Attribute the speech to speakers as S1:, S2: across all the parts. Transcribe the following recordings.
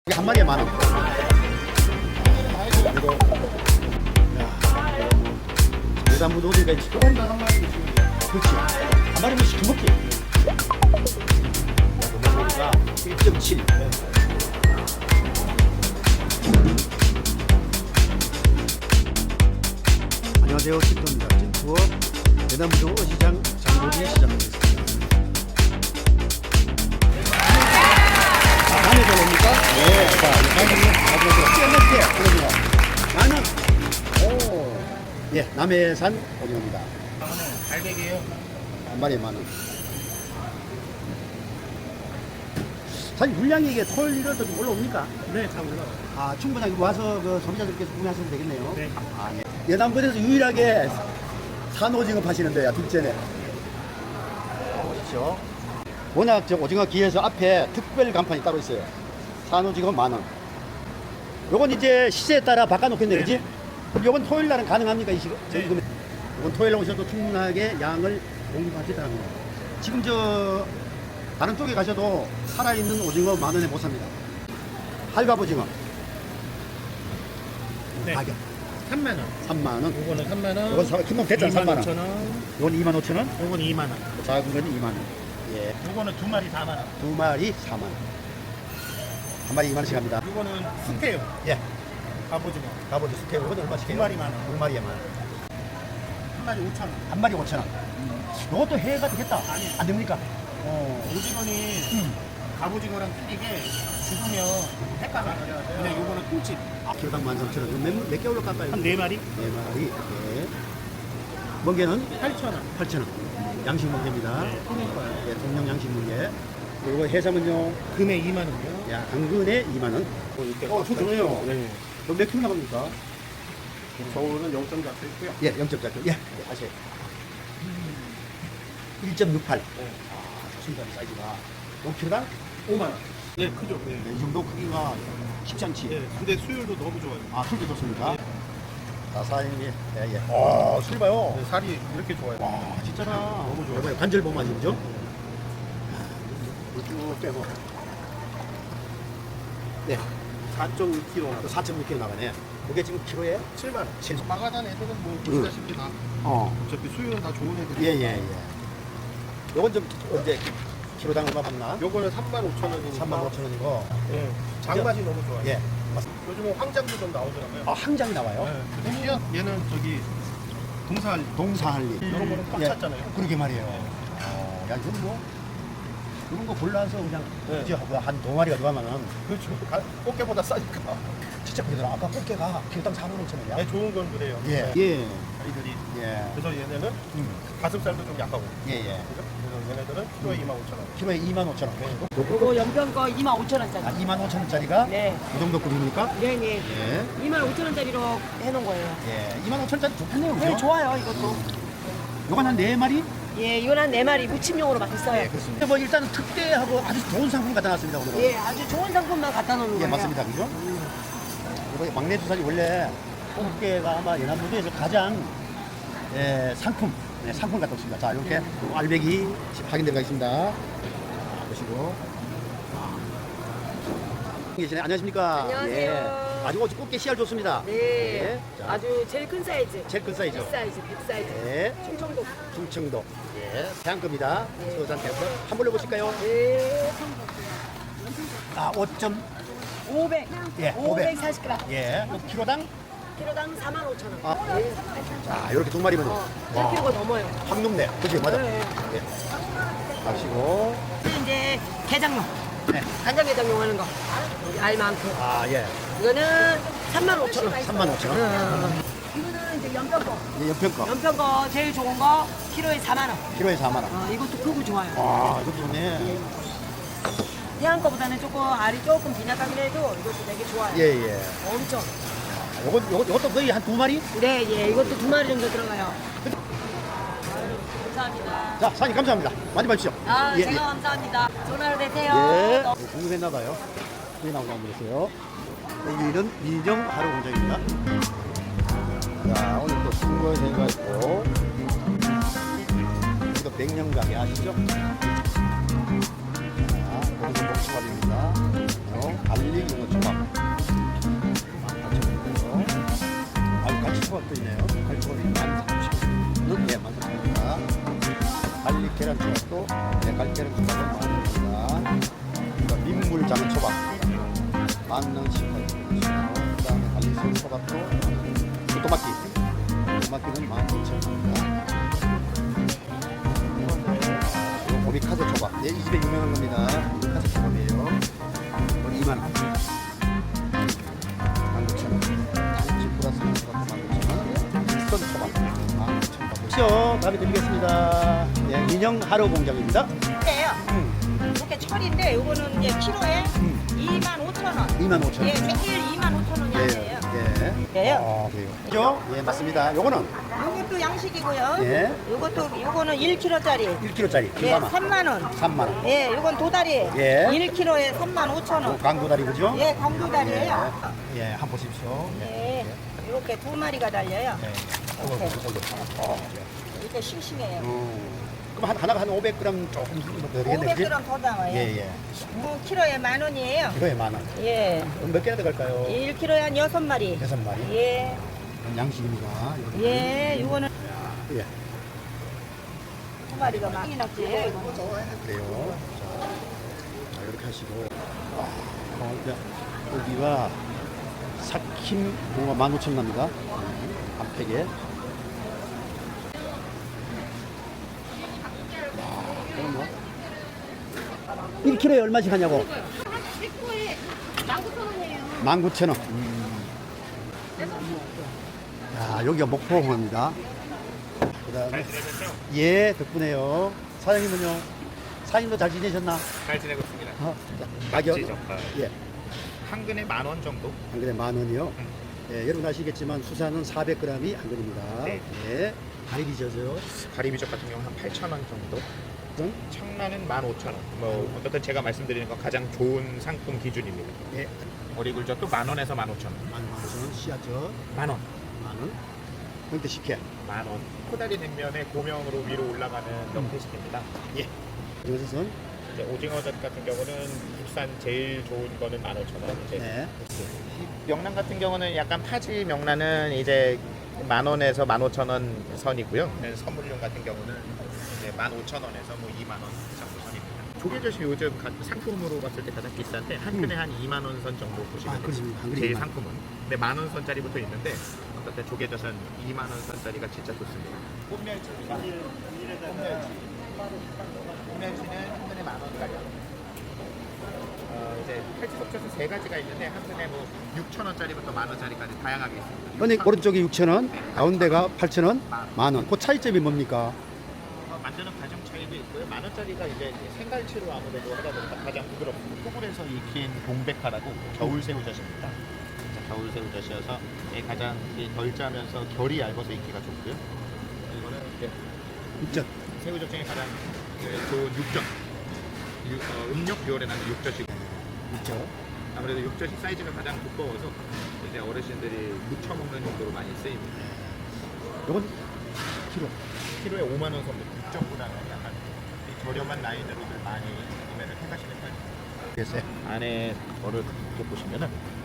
S1: 이게 한 마리에 10,000원. 이거 여단무도 어디가 있지? 그렇지. 한 마리면 시켜먹기. 여단무가 1.7. 안녕하세요. tip도입니다. tip투어 여단무도 어시장 장보기 시작하겠습니다. 남해서 옵니까? 네. 자, 마지막으로 나는 예, 남해산 오징어입니다.
S2: 갈백이에요.
S1: 한 마리에 10,000원. 사실 물량이 이게 토요일 일요일도 좀 올라옵니까?
S2: 네, 다 올라와요.
S1: 아, 충분하게 와서 그 소비자들께서 구매하셔도 되겠네요.
S2: 네.
S1: 아, 예. 예남군에서 유일하게 산 오징어 파시는데요, 둘째네. 보십시오. 워낙 저 오징어 기에서 앞에 특별 간판이 따로 있어요. 산 오징어 10,000원. 요건 이제 시세에 따라 바꿔놓겠네, 그지? 그럼 요건 토요일 날은 가능합니까, 이 시간?
S2: 네.
S1: 요건 토요일 날 오셔도 충분하게 양을 공급하시더라고요. 지금 저 다른 쪽에 가셔도 살아있는 오징어 10,000원에 못 삽니다. 할갑 오징어
S2: 네.
S1: 가격
S2: 3만 원.
S1: 30,000원.
S2: 요거는 3만 원.
S1: 요건 금방 됐잖아, 30,000원.
S2: 25,000원.
S1: 요건 25,000원.
S2: 요건 2만 원.
S1: 작은 건 2만 원. 예.
S2: 요거는 두 마리 4만 원.
S1: 두 마리 4만 원. 한 마리 2만 원씩 합니다.
S2: 요거는 스테요.
S1: 예.
S2: 갑오징어.
S1: 가보죠. 스테이크 이건 얼마씩 해요?
S2: 두 마리 10,000원.
S1: 두 마리에 10,000원.
S2: 한 마리 5천 원.
S1: 한 마리 5,000원. 요것도 해가 되겠다.
S2: 아니.
S1: 안 됩니까?
S2: 오징어는 갑오징어랑 틀리게 죽으면 횟감 나가요. 근데 요거는 꿀집.
S1: 아, 키로당 13,000원. 몇 개월로 깎아요?
S2: 한 4마리?
S1: 네 마리. 예. 멍게는
S2: 8,000원.
S1: 8,000원. 양식 멍게입니다.
S2: 네, 통일 거예요.
S1: 예, 동영 양식 멍게. 그리고 해삼은요.
S2: 금에 2만 원이요.
S1: 야, 당근에 2만 원. 좋네요.
S2: 네.
S1: 그럼 몇 킬로 나갑니까?
S2: 서울은 0점 잡혀 있고요.
S1: 예, 0.4kg. 예, 하세요. 1.68.
S2: 네.
S1: 아, 좋습니다. 사이즈가. 5kg당
S2: 5만 원. 네, 크죠. 네.
S1: 이 정도 크기가 쉽지 않지.
S2: 네, 근데 수율도 너무 좋아요.
S1: 아, 술도 좋습니까? 자, 사장님. 예, 예. 아, 술 봐요.
S2: 네, 살이 이렇게 좋아요.
S1: 와, 진짜나.
S2: 너무 좋아요.
S1: 이번에 관절 보면 아시죠? 쭉 빼고. 네.
S2: 4.2kg.
S1: 4.6kg 나가네. 그게 지금 키로에?
S2: 7만 원.
S1: 7.
S2: 마가단 애들은 뭐 보시다시피 다 어차피 수율은 다 좋은 애들이.
S1: 예, 예, 예. 요건 좀 언제 키로당 얼마 받나?
S2: 요거는 35,000원이니까.
S1: 35,000원이고.
S2: 예. 장맛이 너무 좋아요.
S1: 예.
S2: 요즘은 황장도 좀 나오더라고요.
S1: 아, 항장이 나와요?
S2: 네. 근데 얘는 저기 동사할
S1: 동사할리.
S2: 이런 거는 꽉
S1: 예.
S2: 찼잖아요.
S1: 그러게 말이에요. 야, 이건 뭐, 이런 거 골라서 그냥,
S2: 네.
S1: 이제 한 두 마리가 들어가면은,
S2: 그렇죠. 꽃게보다 싸니까.
S1: 진짜 그러더라. 아까 꽃게가 키로당 45,000원이야.
S2: 네, 좋은 건 그래요.
S1: 예. 예.
S2: 아이들이.
S1: 예.
S2: 그래서 얘네는 가슴살도 좀 약하고.
S1: 예, 예.
S2: 그죠? 그래서 얘네들은 키로에 25,000원.
S1: 키로에 25,000원.
S3: 요거 연평 거 25,000원짜리.
S1: 아, 25,000원짜리가?
S3: 네.
S1: 이 정도 급입니까?
S3: 네네.
S1: 예.
S3: 25,000원짜리로 해놓은 거예요.
S1: 예. 25,000원짜리 좋겠네요.
S3: 네,
S1: 그죠?
S3: 좋아요, 이것도.
S1: 요건 한 4마리?
S3: 예, 이건 한 4마리 무침용으로 막 있어요.
S1: 예, 그렇습니다. 뭐 일단은 특대하고 아주 좋은 상품 갖다 놨습니다, 오늘은.
S3: 예, 아주 좋은 상품만 갖다 놓는
S1: 예,
S3: 거예요.
S1: 맞습니다. 그죠? 이거 막내 주사리 원래 꽃게가 아마 연안무도에서 가장 상품, 상품 갖다 놨습니다. 자, 이렇게 알배기 확인되어 가겠습니다. 자, 보시고. 계시네. 안녕하십니까?
S3: 안녕하세요.
S1: 예. 아주 꽃게 씨알 좋습니다.
S3: 네.
S1: 예. 자,
S3: 아주 제일 큰 사이즈.
S1: 제일 큰 사이즈.
S3: 100사이즈, 100사이즈.
S1: 예.
S3: 충청도.
S1: 충청도. 예. 태양급입니다.
S3: 네.
S1: 서산 태양급. 한번 해보실까요?
S3: 네.
S1: 아, 5점.
S3: 500.
S1: 예,
S3: 540g.
S1: 예. 키로당?
S3: 키로당 45,000원.
S1: 아.
S3: 네.
S1: 자, 이렇게 두 마리면.
S3: 1kg가 넘어요.
S1: 확 높네. 그치? 맞아.
S3: 네.
S1: 예. 마시고.
S3: 이제 게장용.
S1: 네.
S3: 간장게장용 하는 거. 여기 알 많고.
S1: 아, 예.
S3: 이거는 35,000원.
S1: 35,000원.
S3: 이거는 이제 연평 거.
S1: 예, 연평 거.
S3: 연평 거 제일 좋은 거 키로에 4만 원.
S1: 키로에 4만원.
S3: 이것도 크고 좋아요.
S1: 아, 이것도 좋네.
S3: 태양 거보다는 조금 알이 조금 빈약하긴 해도 이것도 되게 좋아요.
S1: 예, 예.
S3: 엄청.
S1: 요것도 거의 한 두 마리?
S3: 네, 예, 이것도 2마리 정도 들어가요. 감사합니다.
S1: 자, 사장님 감사합니다. 많이 봐주시죠.
S3: 아,
S1: 예,
S3: 제가 감사합니다. 좋은 하루 되세요.
S1: 예.
S3: 너무-
S1: 궁금했나봐요. 여기 나온 거 한번 보세요. 여기는 민정 하루 공장입니다. 자, 오늘 또 승부회가 있고. 여기도 백년 가게 아시죠? 자, 오늘은 목수밥입니다. 갈릭 초밥 18,000원이고요. 아, 갈치 초밥도 있네요. 갈치 초밥이 13,000원. 네, 13,000원입니다. 갈릭 계란 초밥도 네, 갈릭 계란 초밥은 10,000원입니다. 민물 장어 초밥 11,018원. 그 다음에 갈릭 새우 초밥도 토마키는 15,000원입니다. 오미카세 초밥. 예, 이 집에 유명한 겁니다. 오미카세 초밥이에요. 이건 2만원. 19,000원. 단지 플러스 초밥 19,000원. 선 초밥 15,000원. 다음에 드리겠습니다. 예, 인형 하루 공장입니다.
S3: 근데요. 이렇게 철인데 요거는 이제 키로에 25,000원.
S1: 25,000원.
S3: 예, 제일 25,000원이 아니에요.
S1: 예. 아, 그래요. 그죠? 예, 맞습니다. 요거는
S3: 요것도 양식이고요.
S1: 예.
S3: 요거는 1kg짜리.
S1: 1kg짜리.
S3: 예, 3만원.
S1: 3만원.
S3: 예, 요건 도다리.
S1: 예.
S3: 1kg에 35,000원.
S1: 강도다리 그죠?
S3: 예, 강도다리예요.
S1: 예, 한번 보십시오.
S3: 예. 이렇게 두 마리가 달려요.
S1: 예.
S3: 이렇게 싱싱해요.
S1: 그럼 하나가 한 500g 조금 더 되겠네.
S3: 500g 더 담아요.
S1: 예, 예.
S3: 키로에 10,000원이에요.
S1: 이거에 10,000원.
S3: 예.
S1: 그럼 몇 개나 들어갈까요?
S3: 1kg에 한 6마리.
S1: 6마리.
S3: 예.
S1: 이건 양식입니다. 이렇게.
S3: 예, 요거는
S1: 예.
S3: 두 마리가 많이 났지예요.
S1: 그래요. 자, 이렇게 하시고. 이제 여기가 삭힘 뭔가 15,000원 납니다. 한 팩에. 그럼 뭐 1kg에 얼마씩 하냐고? 19,000원. 야, 여기가 목포공항입니다. 그다음에 예, 덕분에요. 사장님은요? 사장님도 잘 지내셨나?
S2: 잘 지내고 있습니다.
S1: 가격
S2: 젓갈.
S1: 예,
S2: 한 근에 10,000원 정도?
S1: 한 근에 10,000원이요. 예, 여러분 아시겠지만 수산은 400g이 한 근입니다.
S2: 네.
S1: 예, 가리비 젓어요.
S2: 가리비젓 같은 경우는 한 8,000원 정도?
S1: 어떤?
S2: 청라는 15,000원. 뭐 어쨌든 제가 말씀드리는 건 가장 좋은 상품 기준입니다.
S1: 예,
S2: 어리굴젓도 10,000원에서 15,000원.
S1: 15,000원. 씨앗젓
S2: 10,000원.
S1: 10,000원. 형태 식혜.
S2: 10,000원. 코다리 냉면에 고명으로 위로 올라가는 명태식입니다.
S1: 예. 이것은
S2: 이제 오징어젓 같은 경우는 국산 제일 좋은 거는 15,000원. 이제
S1: 네.
S2: 명란 같은 경우는 약간 파지 명란은 이제 10,000원에서 15,000원 선이고요. 선물용 같은 경우는 이제 15,000원에서 뭐 2만 원 정도 선입니다. 조개젓이 요즘 상품으로 봤을 때 가장 비싼데 한 근에 한 2만 원 선 정도 보시면 돼요.
S1: 그렇습니다. 한 근에
S2: 제일
S1: 2만 원.
S2: 상품은. 근데 10,000원 선짜리부터 있는데 어떨 조개젓은 2만 원 선짜리가 진짜 좋습니다. 꽃멸치입니다. 꽃멸치는 한 근에 10,000원짜리. 이제 팔찌 속젓은 세 가지가 있는데 한 근에 뭐 6,000원짜리부터 10,000원짜리까지 다양하게 있습니다.
S1: 근데 오른쪽이 6,000원, 가운데가 8,000원, 10,000원. 그 차이점이 뭡니까?
S2: 만드는 과정 차이도 있고요. 10,000원짜리가 이제 생갈치로 아무래도 하다 보니까 가장 부드럽고 토굴에서 익힌 동백화라고 겨울새우젓입니다. 겨울새우젓이어서 가장 덜 짜면서 결이 얇아서 익기가 좋고요. 이거는 이제
S1: 육젓.
S2: 새우젓 중에 가장 좋은 육젓. 음력 6월에 나는 육젓이
S1: 육젓.
S2: 아무래도 육젓이 사이즈가 가장 두꺼워서 이제 어르신들이 무쳐 먹는 용도로 많이 쓰입니다.
S1: 이건 키로.
S2: 키로에 5만 원 선도 육젓보다는 약간 이 저렴한 라인으로들 많이 구매를 해가시는 편이에요.
S1: 됐어요.
S2: 안에 거를 이렇게 보시면은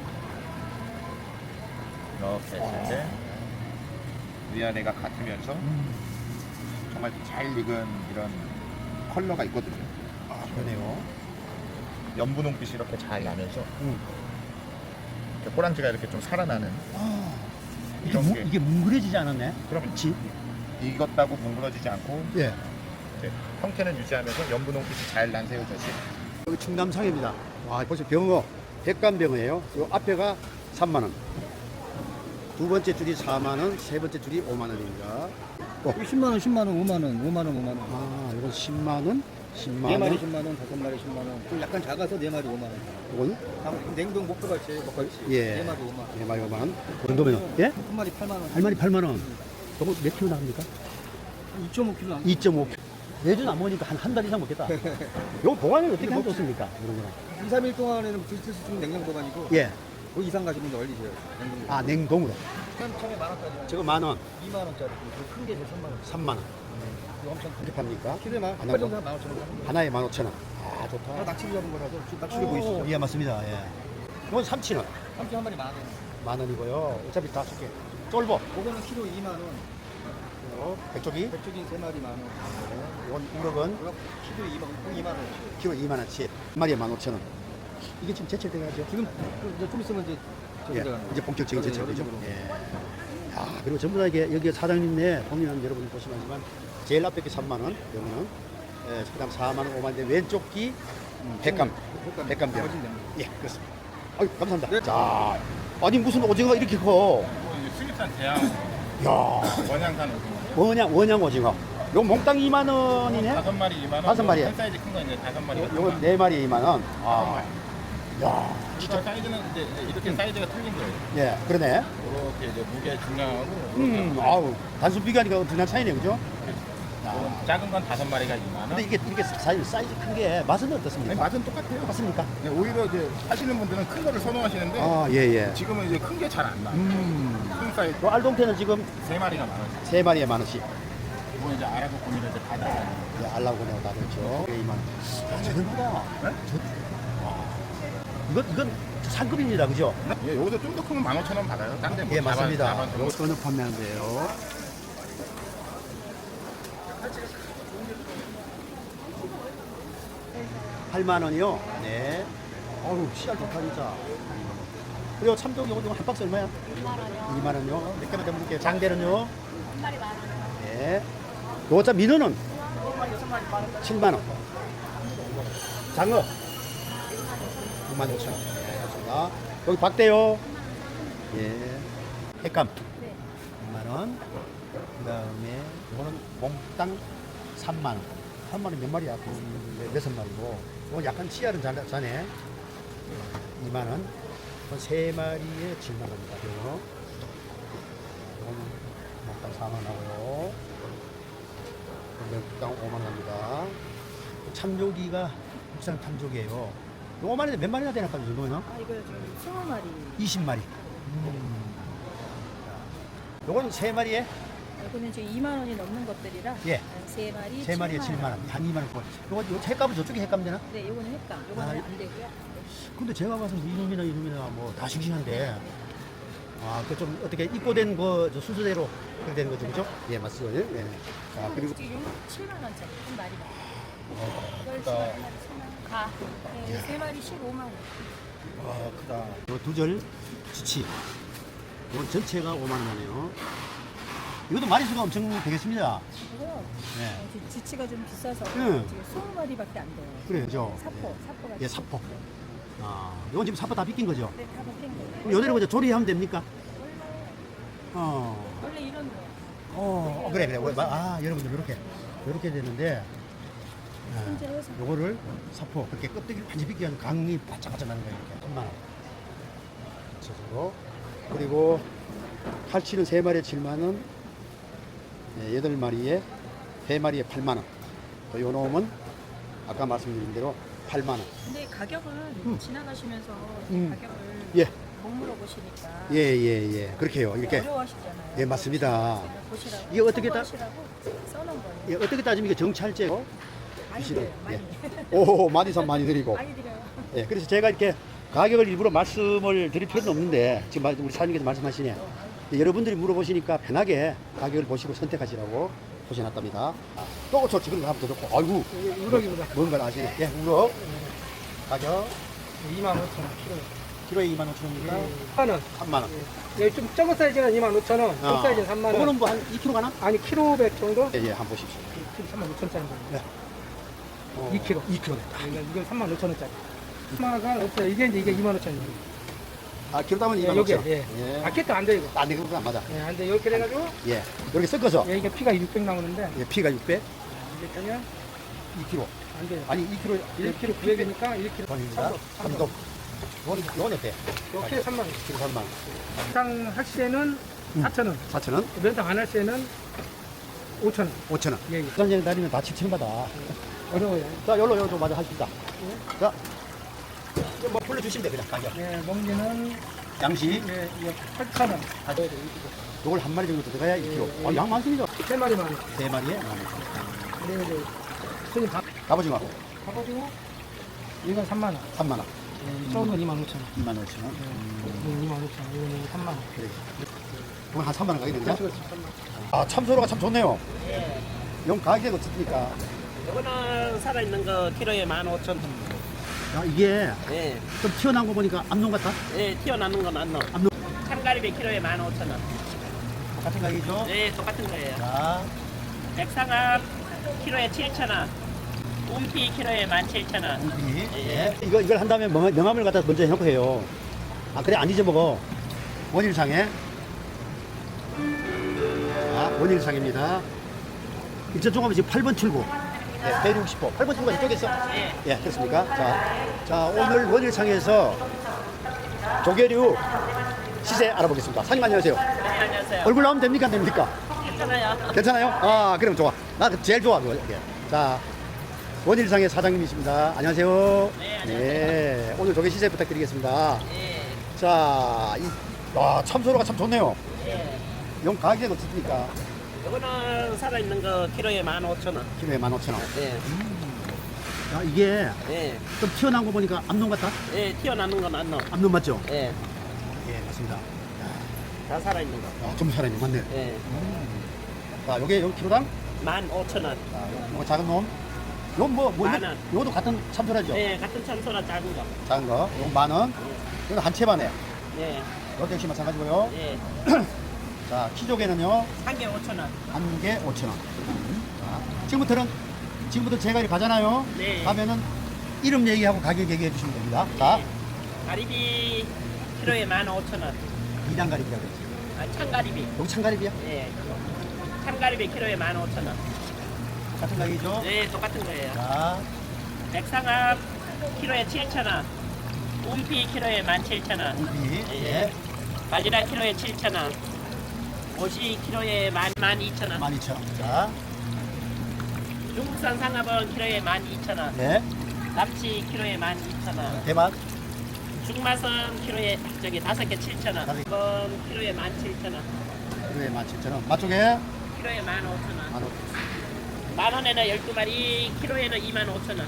S2: 이렇게 했을 때 위아래가 같으면서 정말 잘 익은 이런 컬러가 있거든요.
S1: 그러네요.
S2: 연분홍빛이 이렇게 잘 나면서 이렇게 꼬랑지가 이렇게 좀 살아나는 이런 게
S1: 이게 뭉그러지지 않았네?
S2: 그렇지. 익었다고 뭉그러지지 않고
S1: 예.
S2: 이제 형태는 유지하면서 연분홍빛이 잘 난 새우젓이
S1: 여기 충남상입니다. 와, 보세요. 병어. 백간병어예요. 요 앞에가 3만원. 두 번째 줄이 4만원, 세 번째 줄이 5만원입니다.
S4: 10만원, 10만원, 5만원, 5만원, 5만원.
S1: 아, 이건 10만원, 10만원.
S4: 4마리 10만원, 5마리 10만원. 좀 약간 작아서 4마리 5만원.
S1: 이건?
S4: 냉동 목표같이 먹갈치.
S1: 예.
S4: 4마리 5만원.
S1: 4마리 5만원. 그 정도면, 예?
S4: 한 마리 8만원.
S1: 한 마리 8만원. 저거 몇 킬로 나갑니까?
S4: 2.5kg 안
S1: 2.5킬로. 매주는 안 먹으니까 한 달 이상 먹겠다. 이거 보관을 어떻게 하면 좋습니까? 이런 거는.
S4: 2, 3일 동안에는 드실 수 있는 냉동 보관이고.
S1: 예.
S4: 그 이상 가시면 이제 얼리세요. 냉동.
S1: 아, 냉동으로.
S4: 처음에 만원짜리.
S1: 저거 만원,
S4: 2만원짜리. 큰게 이제 3만원.
S1: 3만원.
S4: 이거 엄청
S1: 어떻게 팝니까?
S4: 키로에 만,
S1: 하나
S4: 한 정도 15,000원.
S1: 하나에 15,000원. 아, 좋다.
S4: 낙지를 잡은 거라서 낙지를 보이시죠?
S1: 예, 맞습니다. 예. 이건 삼치는
S4: 삼치 한 마리 10,000원.
S1: 10,000원이고요. 어차피 다 줄게. 쫄보.
S4: 그거는 키로 2만 원.
S1: 백조기.
S4: 백조기 3마리 10,000원.
S1: 이건 우럭은
S4: 그럼 키로 2만 원.
S1: 키로 2만원치. 한 마리에 15,000원. 이게 지금 제철돼가죠.
S4: 지금 이제 좀 있으면 이제 저기
S1: 예,
S4: 들어가는
S1: 이제 본격적인
S4: 거예요.
S1: 제철이죠.
S4: 여름으로.
S1: 예. 아, 그리고 전부 다 이게 여기 사장님네 보면 여러분 보시면 제일 앞에 게 3만 원, 여기는 예, 그다음 4만 원, 5만 원인데 왼쪽 기 백감, 백감병. 예, 그렇습니다. 아유, 감사합니다.
S4: 네.
S1: 자, 아니 무슨 오징어가 이렇게 커?
S2: 수입산 대양
S1: 야,
S2: 원양산 오징어.
S1: 원양 오징어. 요 몽땅 2만 원이네.
S2: 5마리 2만 원.
S1: 다섯 마리에.
S2: 한 사이즈 큰 거 이제 5마리.
S1: 요거 4마리 2만 원. 아, 야,
S2: 진짜 사이즈는 이제 이렇게 사이즈가 틀린 거예요.
S1: 예, 그러네.
S2: 이렇게 이제 무게 중량하고
S1: 아우, 단순 비교하니까 엄청난 차이네, 그죠?
S2: 작은 건 5마리가 2만 원.
S1: 근데 이게 이렇게 사이즈 큰 게 맛은 어떻습니까?
S2: 아니, 맛은 똑같아요.
S1: 맞습니까?
S2: 네, 오히려 이제 하시는 분들은 큰 거를 선호하시는데
S1: 아, 예, 예.
S2: 지금은 이제 큰 게 잘 안 나. 큰 사이즈
S1: 요 알동태는 지금
S2: 3마리가 만 원.
S1: 3마리에 10,000원씩.
S2: 이거 이제 알아보 고민을 이제 다 들어가요.
S1: 예, 알라고 내가 다 그랬죠. 2만 원. 아, 저렴하다.
S2: 네?
S1: 이건 상급입니다, 그죠?
S2: 예, 여기서 좀 더 크면 15,000원 받아요. 딴데 뭐
S1: 예, 맞습니다.
S2: 4만
S1: 요거 어느 판매하는데요? $8,000원이요? 네. 어우, 씨알 좋다, 진짜. 그리고 참돔 요거 한 박스 얼마야? 2만 원이요. 몇 개만 더 드릴게요. 장대는요?
S5: 한 마리 10,000원.
S1: 네. 요거 자 민어는? 7만 원. 장어? 65,000원. 네, 감사합니다. 여기 박대요. 예. 횟감.
S5: 네.
S1: 2만 원. 그 다음에 이거는 몽땅 3만 원. 3만 원 몇 마리야? 여섯 마리고. 이건 약간 씨알은 자네. 2만 원. 이건 세 마리에 7만 원입니다. 이거. 이건 몽땅 4만 원 하고요. 몽땅 5만 원입니다. 참조기가 국산 참조기예요. 5만 원에 몇 마리나 되나 봐요, 정도면?
S5: 아, 이거 좀 20마리.
S1: 20마리. 요건 세 마리에
S5: 이거는 지금 2만 원이 넘는 것들이라.
S1: 예.
S5: 세 마리.
S1: 세 마리에 7만 원. 한 2만 원. 요거 횟값은 저쪽에 횟값 되나?
S5: 네, 이거는 횟감. 이거는
S1: 아,
S5: 안 되고요.
S1: 근데 제가 봐서 이놈이나 뭐 다 싱싱한데. 아, 그 좀 어떻게 입고된 거 순서대로 그렇게 되는 거죠, 그죠? 예, 맞습니다. 예. 아, 그리고
S5: 지금 7만 원짜리 한 마리가. 이걸
S2: 크다.
S5: 7만 원, 10만 원. 가. 네, 세 마리 15만 원.
S1: 아, 크다. 요 두절 지치. 이건 전체가 5만 원이네요. 이것도 마리수가 엄청 되겠습니다.
S5: 이거
S1: 네.
S5: 지금 지치가 좀 비싸서
S1: 응.
S5: 지금 20마리밖에 안 돼요.
S1: 그래요, 그죠?
S5: 사포가.
S1: 예, 사포. 아, 이건 지금 사포 다 비낀 거죠?
S5: 네, 다 먹힌 거예요.
S1: 그럼 요대로 이제 조리하면 됩니까? 어.
S5: 원래 이런 거.
S1: 그래. 아, 여러분들 이렇게 되는데,
S5: 손질해서.
S1: 요거를 사포, 그렇게 껍데기를 완전히 비끼면 강이 바짝바짝 나는 거예요, 이렇게. 3만 원. 전체적으로. 그리고 칼치는 3마리에 7만 원, 8마리에, 3마리에 8만 원. 또 요 놈은 아까 말씀드린 대로 8만 원.
S5: 근데 가격은 지나가시면서 가격을
S1: 예.
S5: 못 물어보시니까
S1: 예. 그렇게 해요. 이렇게.
S5: 어려워하시잖아요.
S1: 예, 맞습니다.
S5: 제가 보시라고
S1: 이게 어떻게 다-
S5: 참고하시라고 써놓은 거예요.
S1: 예, 어떻게 따지면 이게 정찰제고?
S5: 많이
S1: 드시는-
S5: 드려요. 많이.
S1: 오, 많이 산 많이 드리고.
S5: 많이 드려요.
S1: 예, 그래서 제가 이렇게 가격을 일부러 말씀을 드릴 필요는 없는데 지금 우리 사장님께서 말씀하시네. 여러분들이 물어보시니까 편하게 가격을 보시고 선택하시라고 보셔놨답니다. 또 좋지. 그런 거 하면 더 좋고. 아이고,
S4: 우럭입니다.
S1: 뭔가 아시네. 예, 우럭. 가격
S4: 25,000원
S1: 키로에 25,000원입니다.
S4: 3만 원.
S1: 3만 원.
S4: 여기 좀 작은 사이즈는 25,000원, 큰 사이즈는 3만 원.
S1: 이거는 뭐 한 2kg 가나?
S4: 아니 키로 100 정도?
S1: 예, 한번 보십시오.
S4: 35,000원짜리 정도.
S1: 네.
S4: 2kg.
S1: 2kg 됐다.
S4: 이건 35,000원짜리. 3만 원간 없어요. 이게 25,000원이에요.
S1: 아, 키로 따면
S4: 예,
S1: 25,000원.
S4: 여기, 예. 아켓도 안 돼, 이거.
S1: 안 돼, 그거 안 맞아.
S4: 예, 안 돼. 이렇게 돼가지고,
S1: 예. 이렇게 섞어서.
S4: 예, 이게 피가 600 나오는데,
S1: 예, 피가 600,
S4: 이게 되면
S1: 2kg.
S4: 안 돼요.
S1: 아니, 2kg,
S4: 1kg 900이니까 1kg
S1: 원입니다. 삼동. 이건 어때?
S4: 이렇게 3만 원.
S1: 1kg 3만 원.
S4: 상 할 시에는 4,000원.
S1: 4,000원,
S4: 면상 안 할 시에는 5,000원.
S1: 5,000원.
S4: 예, 예.
S1: 부산장 다니면 다 7,000원 받아.
S4: 어려워요.
S1: 자, 요로 좀 맞아 하십니다. 자, 이제 뭐 불러주시면 돼, 그냥 가격.
S4: 예, 먹기는,
S1: 양식,
S4: 예, 8,000원.
S1: 요걸 한 마리 정도 들어가야 2kg. 양 많습니다.
S4: 3마리만 원.
S1: 3마리에
S4: 그리고 이제, 손님 밥
S1: 갑오징어
S4: 가가지고, 이건 3만 원.
S1: 3만 원.
S4: 작은 건 25,000원.
S1: 25,000원.
S4: 이건 25,000원. 이거는 3만 원.
S1: 그래. 그럼 한 3만 원 가겠는데?
S4: 그렇죠, 3만 원.
S1: 아, 참소로가 참 좋네요.
S3: 예.
S1: 용 가격이 어떻습니까?
S3: 이거는 살아있는 거 키로에 15,000원.
S1: 야, 이게
S3: 예.
S1: 좀 튀어나온 거 보니까 암놈 같다?
S3: 예, 튀어나오는 건 안 넣어.
S1: 암놈.
S3: 참가리비 키로에 15,000원.
S1: 같은 가격이죠?
S3: 네, 똑같은 거예요.
S1: 자,
S3: 백상합 키로에 7,000원. 움피 키로에 17,000원.
S1: 우리.
S3: 예.
S1: 이걸 한 다음에 명함을 갖다 먼저 해놓고 해요. 아, 그래, 안 잊어먹어. 원일상에. 자, 원일상입니다. 이쪽 조금 지금 8번 출구. 네, 160호. 8번 출구가 이쪽에 있어?
S3: 예.
S1: 예, 그렇습니까? 자, 오늘 원일상에서 조개류 시세 알아보겠습니다. 사장님 안녕하세요.
S3: 네, 안녕하세요.
S1: 얼굴 나오면 됩니까? 안 됩니까?
S3: 괜찮아요.
S1: 괜찮아요? 아, 그럼 좋아. 나 제일 좋아, 그거. 예. 자, 원일상의 사장님이십니다. 안녕하세요.
S3: 네, 안녕하세요.
S1: 네, 오늘 조개 시세 부탁드리겠습니다.
S3: 예.
S1: 자, 와, 참소로가 참 좋네요.
S3: 예.
S1: 용 가격이 어떻습니까?
S3: 이거는 살아있는 거 키로에 15,000원.
S1: 키로에 15,000원.
S3: 예.
S1: 야, 이게
S3: 예.
S1: 좀 튀어나온 거 보니까 암놈 같다?
S3: 예, 튀어나오는 건 안 넣어.
S1: 암놈 맞죠?
S3: 예.
S1: 예, 맞습니다.
S3: 다 살아있는 거.
S1: 아, 좀 살아있네, 맞네.
S3: 예.
S1: 자, 요게 요 키로당?
S3: 15,000원.
S1: 자, 요거 작은 놈. 요
S3: 만 원.
S1: 요것도 같은 참소라죠?
S3: 예, 같은 참소라 작은 거.
S1: 작은 거. 요거 10,000원. 이건 한 채 반에.
S3: 예.
S1: 이것도 역시 마찬가지고요.
S3: 예.
S1: 자, 키조개는요.
S3: 한 개 5,000원.
S1: 한 개 5,000원. 자, 지금부터 제가 이렇게 가잖아요.
S3: 네.
S1: 가면은 이름 얘기하고 가격 얘기해 주시면 됩니다. 자,
S3: 가리비 키로에 15,000원.
S1: 이단가리비라고 했지.
S3: 아, 참가리비.
S1: 여기 참가리비야?
S3: 예. 참가리비 키로에 15,000원.
S1: 같은 가격이죠?
S3: 네, 똑같은 거예요.
S1: 자,
S3: 백상합 키로에 7,000원. 움피 키로에 17,000원.
S1: 우비.
S3: 예. 바지락 키로에 7,000원. 오시 키로에 12,000원.
S1: 12,000원. 자,
S3: 중국산 상합은 키로에 12,000원.
S1: 네.
S3: 납치 키로에 12,000원.
S1: 대만.
S3: 중마선 키로에 저기 5개 7,000원.
S1: 다섯 개.
S3: 이건 키로에 17,000원.
S1: 키로에 17,000원. 맛조개.
S3: 키로에 15,000원.
S1: 15,000원.
S3: 만 원에는 12마리, 키로에는 25,000원.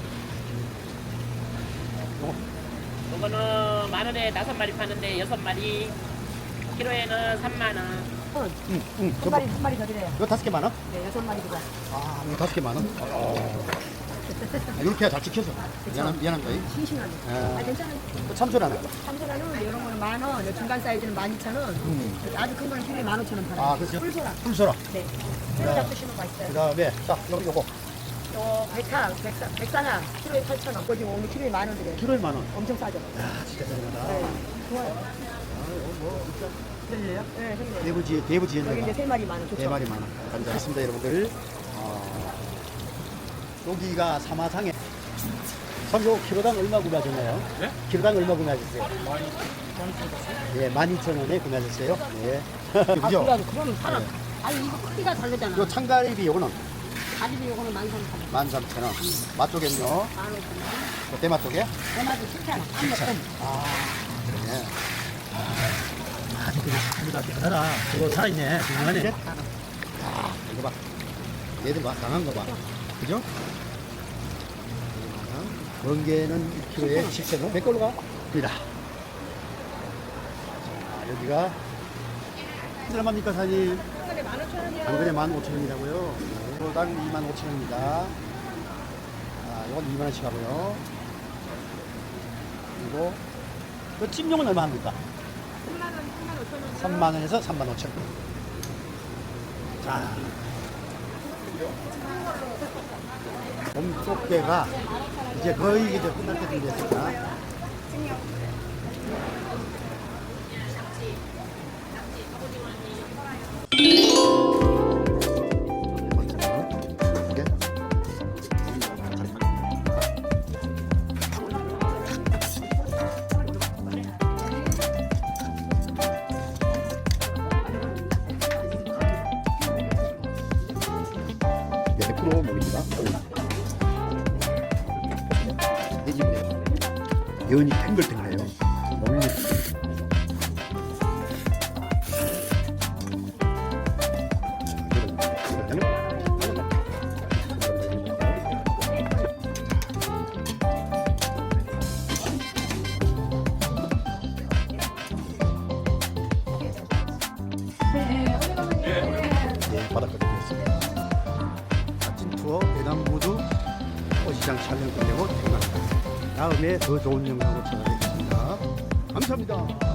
S1: 요거.
S3: 이거는 만 원에 5마리 파는데 6마리, 키로에는 3만 원.
S1: 응.
S5: 한 마리 한 마리 더 드려요.
S1: 이거 5개 만 원?
S5: 네, 6마리 들어.
S1: 아, 이거 5개 만 원? 이렇게 해야 잘 지켜서. 미안합니다.
S5: 싱싱하네.
S1: 예.
S5: 아, 괜찮아요.
S1: 참소라는.
S5: 참소라는 이런 거는 10,000원, 요 중간 사이즈는 12,000원, 아주 큰 거는 키로에 15,000원 팔아요.
S1: 아, 그렇죠?
S5: 꿀소라.
S1: 풀소라.
S5: 네. 새로 잡수시면 맛있어요.
S1: 그 다음에, 자, 요거.
S5: 요 백사나 키로에 8,000원. 거기 오늘 키로에 10,000원 드려요.
S1: 키로에 만 원.
S5: 엄청 싸죠?
S1: 야, 진짜 저렴하다.
S5: 네. 좋아요.
S1: 뭐, 진짜.
S5: 들려요? 네, 들려요.
S1: 대부지에
S5: 여기 이제 3마리 10,000원. 좋죠?
S1: 4마리 만 원. 감사합니다, 여러분들. 여기가 사마상에. 선조 키로당 얼마 구매하셨나요? 네? 키로당 얼마 구매하셨어요? 12,000원. 예, 12,000원에 구매하셨어요. 예.
S5: 아,
S1: 그죠?
S5: 그러면 팔아.
S1: 네.
S5: 아니, 이거 크기가 다르잖아.
S1: 요 참가리비 요거는
S5: 가리비 요거는 13,000원.
S1: 13,000원. 맛조개는요?
S5: 15,000원.
S1: 대맛 조개?
S5: 대마도 7,000원.
S1: 7,000원. 아, 그러네. 아주 그냥 깨달아. 그거 살아있네. 중요하네. 아, 이거 봐. 얘들 봐. 강한 거 봐. 그죠? 번개는 1kg에 7,000원. 몇 걸로 가? 입니다. 자, 여기가 얼마입니까, 사장님?
S5: 한근에 15,000원이요.
S1: 한 근에 15,000원이라고요. 이거당 25,000원입니다. 아, 이건 2만원씩 하고요. 그리고 그 찜용은 얼마 합니까? 3만원에서 35,000원. 자, 봄꽃게가 이제 거의 이제 끝날 때쯤 됐습니다. 네, 100% 먹입니다. 돼지고요. 면이 탱글탱글해요. 먹는 바닷가 되겠습니다. 멋진 투어 대남부두 어시장 촬영 끝내고 퇴근합니다. 다음에 더 좋은 영상으로 찾아뵙겠습니다. 감사합니다.